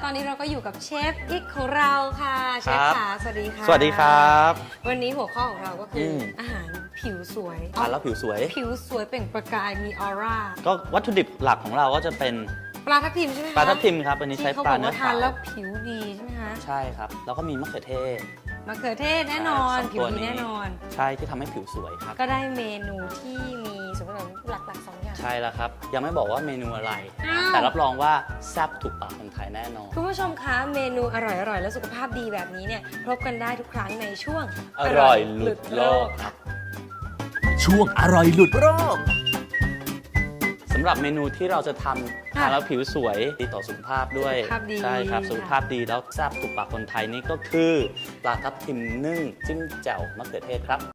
ตอนนี้เราก็อยู่กับเชฟอิกของเราค่ะเชฟขาสวัสดีค่ะสวัสดีครับวันนี้หัวข้อของเราก็คืออาหารผิวสวยทานแล้วผิวสวยผิวสวยเปล่งประกายมีออร่าก็วัตถุดิบหลักของเราก็จะเป็นปลาทับทิมใช่ไหมคะปลาทับทิมครับวันนี้ใช้ปลาเนื้อที่เขาบอกว่าขาทานวแล้วผิวดีใช่ไหมคะใช่ครับแล้วก็มีมะเขือเทศมะเขือเทศแน่นอนสองผิวตัวดีนี้แน่นอนใช่ที่ทำให้ผิวสวยครับก็ได้เมนูที่มีส่วนผสมหลักๆ2อย่างใช่แล้วครับยังไม่บอกว่าเมนูอะไรอ้าวแต่รับรองว่าแซ่บถูกปากคนไทยแน่นอนคุณผู้ชมคะเมนูอร่อยๆ และสุขภาพดีแบบนี้เนี่ยพบกันได้ทุกครั้งในช่วงอร่อยหลุดโลกครับช่วงอร่อยหลุดโลกสำหรับเมนูที่เราจะทำทานแล้วผิวสวยดีต่อสุขภาพด้วยสุขภาพดีใช่ครับสุขภาพดีแล้วแซ่บถูกปากคนไทยนี่ก็คือปลาทับทิมนึ่งจิ้มแจ่วมะเขือเทศครับ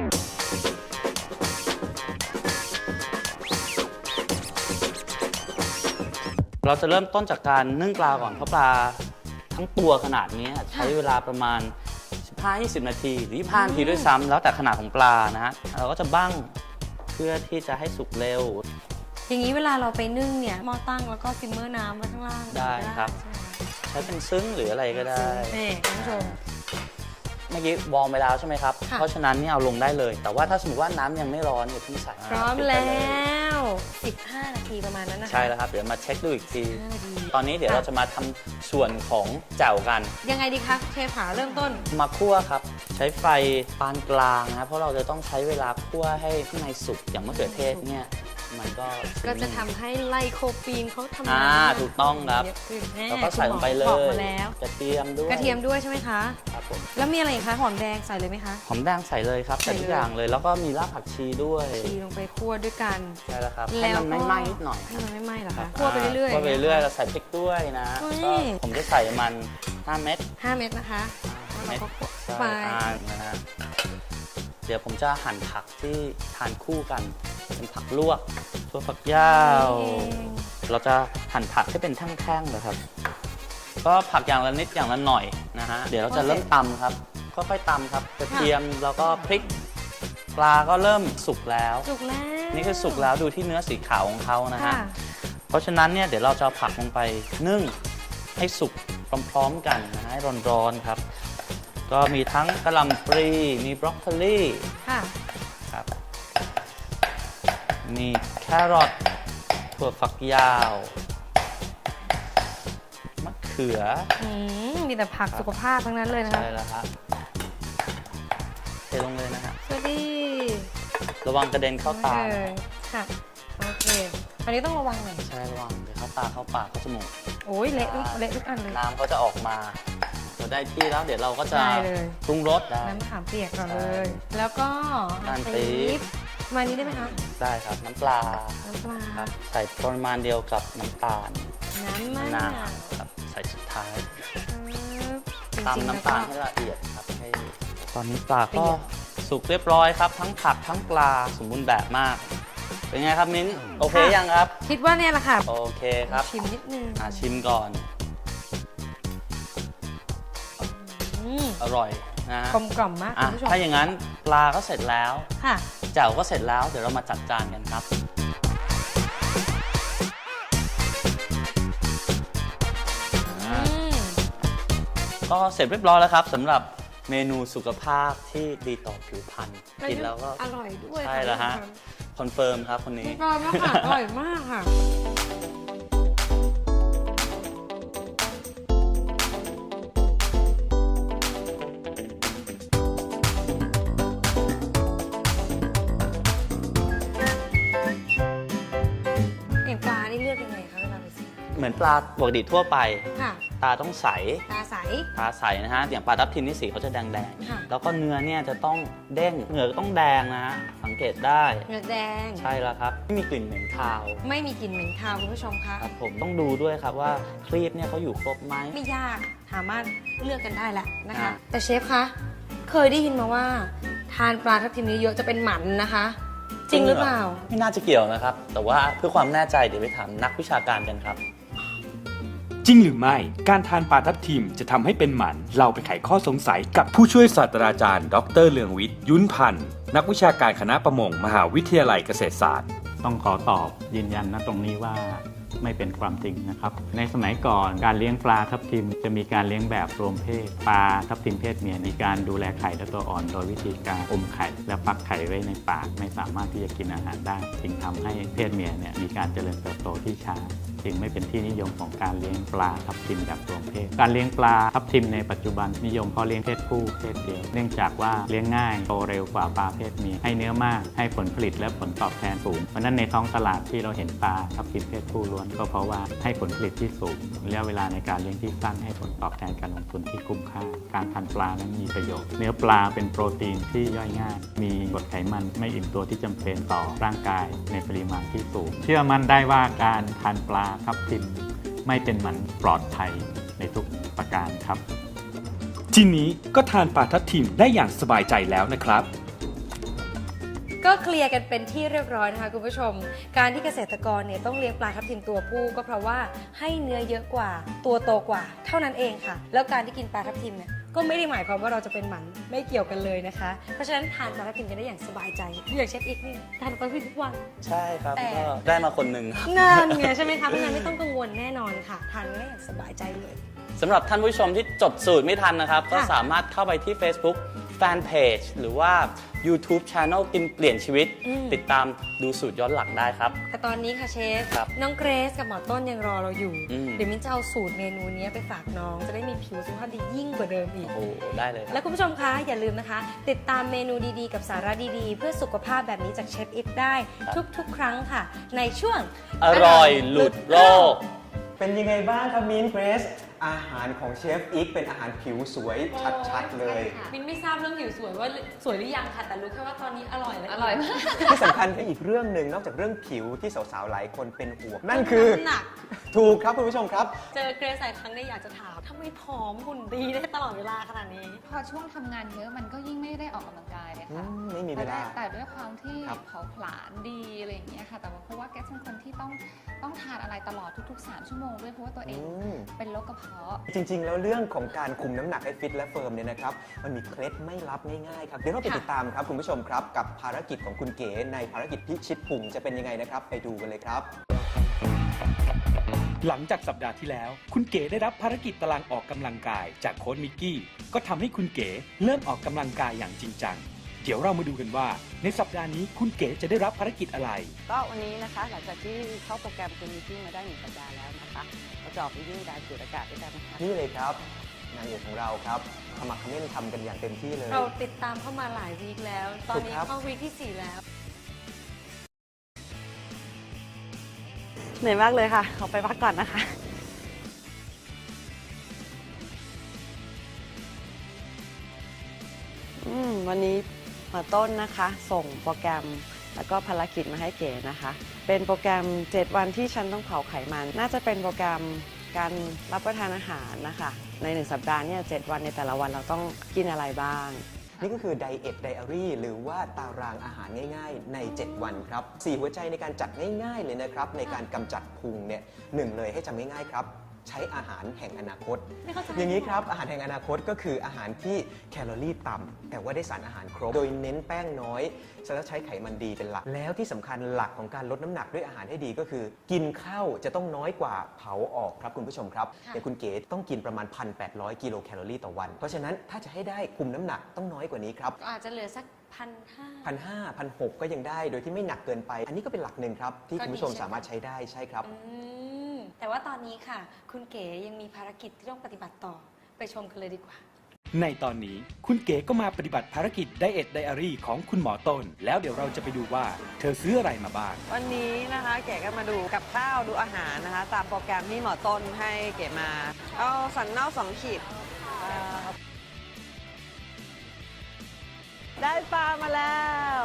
เราจะเริ่มต้นจากการนึ่งปลาก่อนเพราะปลาทั้งตัวขนาดนี้ใช้เวลาประมาณ 15-20 นาทีหรือ25 นาทีด้วยซ้ำแล้วแต่ขนาดของปลานะฮะเราก็จะบั้งเพื่อที่จะให้สุกเร็วอย่างนี้เวลาเราไปนึ่งเนี่ยหม้อตั้งแล้วก็ซิมเมอร์น้ำไว้ข้างล่างได้ครับ ใช้เป็นซึ้งหรืออะไรก็ได้นี่คุณผู้ชมเมื่อกี้วอร์มไปแล้วใช่ไหมครับค่ะเพราะฉะนั้นนี่เอาลงได้เลย แต่ว่าถ้าสมมติว่าน้ำยังไม่ร้อนอย่าเพิ่งใส่พร้อมปิดไปแล้เยว 15 นาทีประมาณนั้นนะคะใช่แล้วครับ เดี๋ยวมาเช็คดูอีกที 15 นาทีตอนนี้เดี๋ยวเราจะมาทำส่วนของแจ่วกันยังไงดีคะเชฟขาเริ่มต้นมาคั่วครับ ใช้ไฟปานกลางนะครับเพราะเราจะต้องใช้เวลาคั่วให้ข้างในสุกอย่างมะเขือเทศเนี่ยมันก็ก็จะทำให้ไลโคปีนเขาทำงานถูกต้องครับเยอะขึ้นแน่แล้วก็ใส่ลงไปเลบอกยมาแล้วกระเทียมด้วยกระเทียมด้วยใช่ไหมคะครับผมแล้วมีอะไรอีกคะหอมแดงใส่เลยไหมคะหอมแดงใส่เลยครับใส่ใส่เลยทุกอย่างเลย แล้วก็มีรากผักชีด้วยชีลงไปคั่วด้วยกันใช่แล้วครับแล้ให้วมันไม่ไหม้นิดหน่อยให้มันไม่ไหม้เหรอคะคั่วไปเรื่อยๆคั่วไปเรื่อยๆเราใส่พริกด้วยนะเฮ้ยก็ผมจะใส่มัน 5 เม็ด 5 เม็ดนะคะแล้วเราก็คั่วไปนะฮะเดี๋ยวผมจะหั่นผักที่ทานคู่กันเป็นผักลวกตัวฝักยาว เราจะหั่นผักให้เป็นแท่งๆนะครับ ก็ผักอย่างละนิดอย่างละหน่อยนะฮะ เดี๋ยวเราจะเริ่มตำครับ ค่อยๆตำครับ กระเทียมแล้วก็พริก ปลาก็เริ่มสุกแล้วสุกแล้วนี่คือสุกแล้วดูที่เนื้อสีขาวของเขานะฮะค่ะเพราะฉะนั้นเนี่ยเดี๋ยวเราจะเอาผักลงไปนึ่งให้สุกพร้อมๆกันนะฮะให้ร้อนๆครับ ก็มีทั้งกะหล่ำปลีมีบรอกโคลีค่ะครับมีแครอทถั่วฝักยาวมะเขือมีแต่ผักสุขภาพทั้งนั้นเลยนะคะใช่แล้วครับเทลงเลยนะฮะสวัสดีระวังกระเด็นเข้าตาเลยค่ะโอเคอันนี้ต้องระวังหน่อยใช่ระวังเดี๋ยวเข้าตาเข้าปากเข้าจมูกโอ้ยเละทุกอันเลยน้ำเขาจะออกมาเราได้ที่แล้วเดี๋ยวเราก็จะได้เลยปรุงรสได้น้ำมะขามเปียกก่อนเลยใช่แล้วก็น้ำปี๊บมานี้ได้ไหมคะได้ครับน้ำปลาน้ำปลาครับใส่ปริมาณเดียวกับน้ำตาลน้ำมะนานาวครับใส่สุดท้ายจริงๆตำน้ำตาลแวให้ก็ละเอียดครับให้ตอนนี้ปลาก็สุกเรียบร้อยครับ ทั้งผักทั้งปลาสมบูรณ์แบบมาก เป็นไงครับมิ้นโอเคยังครับคิดว่าเนี่ยแหละค่ะโอเคครับชิมนิดนึงชิมก่อนอืมอร่อยนะฮะกลมกล่อมมากคุณผู้ชมถ้าอย่างนั้นปลาก็เสร็จแล้วค่ะแจ่วก็เสร็จแล้วเดี๋ยวเรามาจัดจานกันครับอืมก็เสร็จเรียบร้อยแล้วครับสำหรับเมนูสุขภาพที่ดีต่อผิวพรรณกินแล้วก็อร่อยด้วยใช่แล้วฮะคอนเฟิร์มครับคนนี้อร่อยมากค่ะอร่อยมากค่ะ เห็นปลานี่เลือกยังไงคะเวลาไปซื้อเหมือนปลาปกติทั่วไปค่ะตาต้องใสตาใสตาใสนะฮะอย่างปลาทับทิมนี่สีเขาจะแดงค่ะๆแล้วก็เนื้อเนี่ยจะต้องเด้งเหงือกต้องแดงนะฮะสังเกตได้เนื้อแดงใช่แล้วครับไม่มีกลิ่นเหม็นคาวไม่มีกลิ่นเหม็นคาวคุณผู้ชมคะครับผมต้องดูด้วยครับว่าครีบเนี่ยเขาอยู่ครบไหมไม่ยากสามารถเลือกกันได้แหละนะคะอ่าแต่เชฟคะ เคยได้ยินมาว่า ทานปลาทับทิมเยอะๆจะเป็นหมันนะคะ จริงหรือเปล่าไม่น่าจะเกี่ยวนะครับ แต่ว่าเพื่อความแน่ใจเดี๋ยวไปถามนักวิชาการกันครับจริงหรือไม่ การทานปลาทับทิมจะทำให้เป็นหมัน เราไปไขข้อสงสัยกับผู้ช่วยศาสตราจารย์ ดร.เลืองวิทย์ ยุ้นพันธ์ นักวิชาการคณะประมง มหาวิทยาลัยเกษตรศาสตร์ต้องขอตอบยืนยันนะตรงนี้ว่าไม่เป็นความจริงนะครับในสมัยก่อนการเลี้ยงปลาทับทิมจะมีการเลี้ยงแบบรวมเพศปลาทับทิมเพศเมียมีการดูแลไข่และตัวอ่อนโดยวิธีการอมไข่และฟักไข่ไว้ในปากไม่สามารถที่จะกินอาหารได้จึงทำให้เพศเมียเนี่ยมีการเจริญเติบโตที่ช้าจึงไม่เป็นที่นิยมของการเลี้ยงปลาทับทิมแบบรวมเพศการเลี้ยงปลาทับทิมในปัจจุบันนิยมเพาะเลี้ยงเพศผู้เพศเดียวเนื่องจากว่าเลี้ยงง่ายโตเร็วกว่าปลาเพศเมียให้เนื้อมากให้ผลผลิตและผลตอบแทนสูงเพราะนั้นในท้องตลาดที่เราเห็นปลาทับทิมเพศผู้ล้วนก็เพราะว่าให้ผลผลิตที่สูงระยะเวลาในการเลี้ยงที่สั้นให้ผลตอบแทนการลงทุนที่คุ้มค่าการทานปลานั้นมีประโยชน์เนื้อปลาเป็นโปรตีนที่ย่อยง่ายมีกรดไขมันไม่อิ่มตัวที่จำเป็นต่อร่างกายในปริมาณที่สูงเชื่อมั่นได้ว่าการทานปลาทับทิมไม่เป็นหมันปลอดภัยในทุกประการครับทีนี้ก็ทานปลาทับทิมได้อย่างสบายใจแล้วนะครับก็เคลียร์กันเป็นที่เรียบร้อยนะคะคุณผู้ชม การที่เกษตรกรเนี่ยต้องเลี้ยงปลาทับทิมตัวผู้ก็เพราะว่าให้เนื้อเยอะกว่าตัวโตกว่าเท่านั้นเองค่ะ แล้วการที่กินปลาทับทิมเนี่ยก็ไม่ได้หมายความว่าเราจะเป็นหมันไม่เกี่ยวกันเลยนะคะ เพราะฉะนั้นทานปลาทับทิมกันได้อย่างสบายใจอย่างเชฟอีกนี่ทานปลาทับทิมทุกวันใช่ครับแต่ก็ได้มาคนหนึ่งครับนั่นไงใช่ไหมคะเพราะฉะนั้นไม่ต้องกังวลแน่นอนค่ะทานได้อย่างสบายใจเลยสำหรับท่านผู้ชมที่จดสูตรไม่ทันนะครับ ก็ค่ะสามารถเข้าไปที่ Facebook Fanpage หรือว่า YouTube Channel กินเปลี่ยนชีวิต ติดตามดูสูตรย้อนหลังได้ครับแต่ตอนนี้ค่ะเชฟครับน้องเกรซกับหมอต้นยังรอเราอยู่อืมเดี๋ยวมิ้นจะเอาสูตรเมนูนี้ไปฝากน้องจะได้มีผิวสุขภาพดียิ่งกว่าเดิมอีกโอ้ได้เลยครับและคุณผู้ชมคะอย่าลืมนะคะ ติดตามเมนูดีๆ กับสาระดีๆ เพื่อสุขภาพแบบนี้จากเชฟอิฟได้ครับทุกๆ ครั้งค่ะ ในช่วงอร่อยหลุดโลกเป็นยังไงบ้างครับมิ้นเกรซอาหารของเชฟอีกเป็นอาหารผิวสวยชัดๆเลยมิ้นไม่ทราบเรื่องผิวสวยว่าสวยหรือยังค่ะ แต่รู้แค่ว่าตอนนี้อร่อยและอร่อยมากที่สำคัญคืออีกเรื่องหนึ่งนอกจากเรื่องผิวที่สาวๆหลายคนเป็นห่วงนั่นคือหนักถูกครับคุณผู้ชมครับเจอเกรซหลายครั้งได้อยากจะถามทำไมผอมหุ่นดีได้ตลอดเวลาขนาดนี้พอช่วงทำงานเยอะมันก็ยิ่งไม่ได้ออกกำลังกายเลยค่ะไม่มีเวลาแต่ด้วยความที่ครับเผาผลาญดีอะไรอย่างเงี้ยค่ะ แต่ว่าเพราะว่าแกเป็นคนที่ต้องทานอะไรตลอดทุกๆ 3 ชั่วโมงด้วยเพราะว่าตัวเองเป็นโรคกระเพาะจริงๆ แล้วเรื่องของการคุมน้ำหนักให้ฟิตและเฟิร์มเนี่ยนะครับมันมีเคล็ดไม่ลับง่ายๆครับเดี๋ยวเราไปค่ะติดตามครับคุณผู้ชมครับกับภารกิจของคุณเก๋ในภารกิจพิชิตพุงจะเป็นยังไงนะครับไปดูกันเลยครับหลังจากสัปดาห์ที่แล้ว คุณเก๋ได้รับภารกิจตารางออกกำลังกายจากโค้ชมิกกี้ ก็ทำให้คุณเก๋เริ่มออกกำลังกายอย่างจริงจัง เดี๋ยวเรามาดูกันว่า ในสัปดาห์นี้คุณเก๋จะได้รับภารกิจอะไรก็วันนี้นะคะหลังจากที่เข้าโปรแกรมคุณมิทติ้งมาได้1 สัปดาห์แล้วนะคะเราจะออกไปวิ่งดานสูดอากาศด้วยกันนะคะนี่เลยครับนางเอกของเราครับขมักเขม้นทำกันอย่างเต็มที่เลยเราติดตามเข้ามาหลายวีคแล้ว ตอนนี้ถูกครับเข้าวีคที่ 4 แล้วเหนื่อยมากเลยค่ะ ขอไปพักก่อนนะคะ วันนี้หมาต้นนะคะส่งโปรแกรมแล้วก็ภารกิจมาให้เก๋นะคะ เป็นโปรแกรม 7 วันที่ฉันต้องเผาไขมัน น่าจะเป็นโปรแกรมการรับประทานอาหารนะคะ ใน 1 สัปดาห์เนี่ย7 วันในแต่ละวันเราต้องกินอะไรบ้างนี่ก็คือ Diet Diary หรือว่าตารางอาหารง่ายๆ ใน 7 วันครับ 4 หัวใจในการจัดง่ายๆเลยนะครับ ในการกำจัดพุงเนี่ยหนึ่งเลยให้จำง่ายๆครับ ใช้อาหารแห่งอนาคตไม่เข้าใจอย่างนี้ครับอาหารแห่งอนาคตก็คืออาหารที่แคลอรี่ต่ำแต่ว่าได้สารอาหารครบ โดยเน้นแป้งน้อยแล้วใช้ไขมันดีเป็นหลัก แล้วที่สำคัญหลักของการลดน้ำหนักด้วยอาหารให้ดีก็คือ กินข้าวจะต้องน้อยกว่าเผาออกครับคุณผู้ชมครับอย่างคุณเก๋ต้องกินประมาณ 1,800 กิโลแคลอรี่ต่อวัน เพราะฉะนั้นถ้าจะให้ได้คุมน้ำหนักต้องน้อยกว่านี้ครับก็อาจจะเหลือสัก1,500 1,600 ก็ยังได้โดยที่ไม่หนักเกินไป อันนี้ก็เป็นหลักหนึ่งครับที่คุณผู้ชมสามารถใช้ได้ใช่ครับแต่ว่าตอนนี้ค่ะ คุณเก๋ยังมีภารกิจที่ต้องปฏิบัติต่อไปชมกันเลยดีกว่าในตอนนี้คุณเก๋ก็มาปฏิบัติภารกิจ Diet Diary ของคุณหมอต้น แล้วเดี๋ยวเราจะไปดูว่าเธอซื้ออะไรมาบ้างวันนี้นะคะเก๋ก็มาดูกับข้าวดูอาหารนะคะ ตามโปรแกรมที่หมอต้นให้เก๋มา เอาสันนอก2 ขีดได้ปลามาแล้ว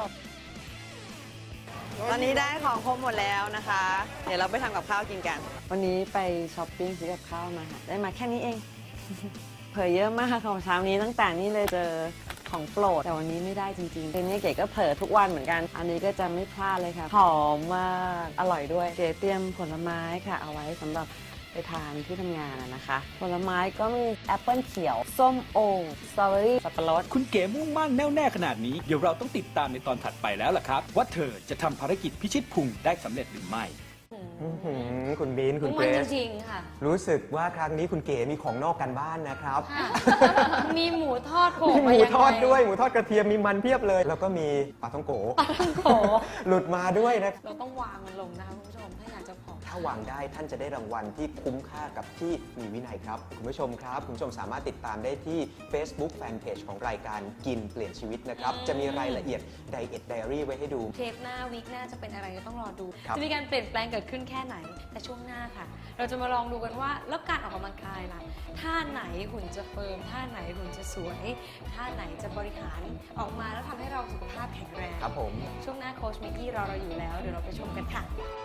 ตอนนี้ได้ของครบหมดแล้วนะคะ เดี๋ยวเราไปทำกับข้าวกินกัน วันนี้ไปช้อปปิ้งซื้อกับข้าวมาค่ะ ได้มาแค่นี้เอง เผยเยอะมากของเช้านี้ตั้งแต่นี้เลยเจอของโปรด แต่วันนี้ไม่ได้จริงๆเป็นนี้เก๋ก็เผลอทุกวันเหมือนกัน อันนี้ก็จะไม่พลาดเลยค่ะหอมมากอร่อยด้วยเก๋เตรียมผลไม้ค่ะเอาไว้สำหรับไปทานที่ทำงานนะคะ ผลไม้ก็มีแอปเปิลเขียวส้มโอสตรอเบอรี่สับปะรดคุณเก๋มุ่งมั่นแน่วแน่ขนาดนี้เดี๋ยวเราต้องติดตามในตอนถัดไปแล้วล่ะครับ ว่าเธอจะทำภารกิจพิชิตพุงได้สำเร็จหรือไม่อื้อหือคุณบีนคุณเกรมันซจริงๆค่ะรู้สึกว่าครั้งนี้คุณเก๋มีของนอกกันบ้านนะครับมีหมูทอดโผล่มีหมามูยังไงทอดด้วยหมูทอดกระเทียมมีมันเพียบเลย แล้วก็มีปลาท่องโกโอ้โหหลุดมาด้วยนะเราต้องวางมันลงนะคะคุณผู้ชมถ้าอยากจะผอมถ้าวางได้ท่านจะได้รางวัลที่คุ้มค่ากับที่มีวินัยครับ คุณผู้ชมครับ คุณผู้ชมสามารถติดตามได้ที่ Facebook Fanpage ของรายการกินเปลี่ยนชีวิตนะครับ จะมีรายละเอียด Diet Diary ไว้ให้ดูเทปหน้าวีคหน้าจะเป็นอะไรก็ต้องรอดูครับจะมีการเปลี่ยนแปลงเกิดขึ้นแค่ไหน แต่ช่วงหน้าค่ะ เราจะมาลองดูกันว่าแล้วการออกกำลังกายล่ะท่าไหนหุ่นจะเฟิร์มท่าไหนหุ่นจะสวยท่าไหนจะบริหารออกมาแล้วทำให้เราสุขภาพแข็งแรงครับผมช่วงหน้าโค้ชมิกกี้รอเราอยู่แล้วเดี๋ยวเราไปชมกันค่ะ